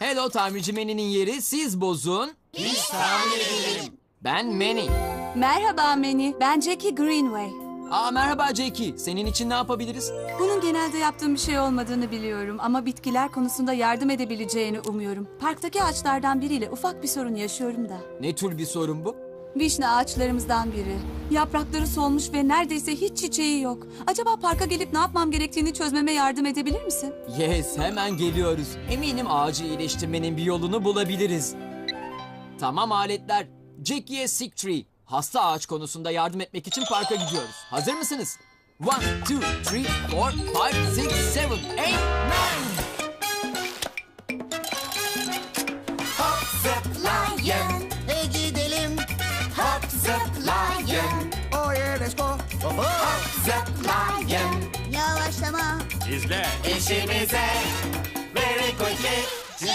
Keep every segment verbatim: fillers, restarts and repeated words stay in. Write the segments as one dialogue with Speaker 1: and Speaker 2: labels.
Speaker 1: Hello tamirci Manny'nin yeri siz bozun.
Speaker 2: Biz tamir edelim.
Speaker 1: Ben Manny.
Speaker 3: Merhaba Manny, ben Jackie Greenway.
Speaker 1: Aa merhaba Jackie. Senin için ne yapabiliriz?
Speaker 3: Bunun genelde yaptığım bir şey olmadığını biliyorum ama bitkiler konusunda yardım edebileceğini umuyorum. Parktaki ağaçlardan biriyle ufak bir sorun yaşıyorum da.
Speaker 1: Ne tür bir sorun bu?
Speaker 3: Vişne ağaçlarımızdan biri. Yaprakları solmuş ve neredeyse hiç çiçeği yok. Acaba parka gelip ne yapmam gerektiğini çözmeme yardım edebilir misin?
Speaker 1: Yes, hemen geliyoruz. Eminim ağacı iyileştirmenin bir yolunu bulabiliriz. Tamam aletler. Jackie'ye Sick Tree. Hasta ağaç konusunda yardım etmek için parka gidiyoruz. Hazır mısınız? One, two, three, four, five, six, seven, eight, nine.
Speaker 2: Hop zıplayın. E gidelim. Hop zıplayın. O let's go. Hop zıplayın. Yavaşlama.
Speaker 4: İzle.
Speaker 2: İşimize. Very quickly.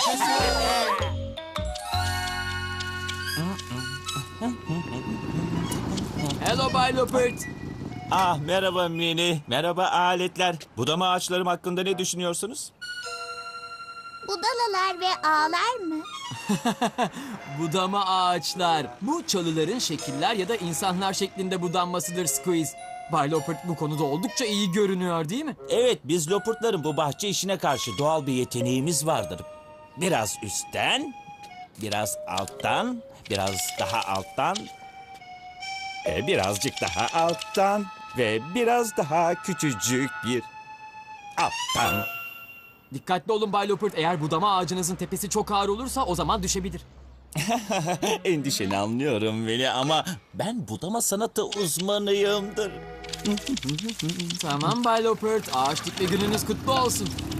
Speaker 1: Hello Bay Lopert.
Speaker 4: Ah merhaba Mini. Merhaba aletler. Budama ağaçlarım hakkında ne düşünüyorsunuz?
Speaker 5: Budalalar ve ağlar mı?
Speaker 1: Budama ağaçlar. Bu çalıların şekiller ya da insanlar şeklinde budanmasıdır Squeeze. Bay Lopert bu konuda oldukça iyi görünüyor değil mi?
Speaker 4: Evet, biz Lopurtların bu bahçe işine karşı doğal bir yeteneğimiz vardır. Biraz üstten, biraz alttan, biraz daha alttan, ve birazcık daha alttan ve biraz daha küçücük bir alttan.
Speaker 1: Dikkatli olun Bay Lopert. Eğer budama ağacınızın tepesi çok ağır olursa o zaman düşebilir.
Speaker 4: Endişeni anlıyorum Veli ama ben budama sanatı uzmanıyımdır.
Speaker 1: Tamam Bay Lopert. Ağaç dikme gününüz kutlu olsun.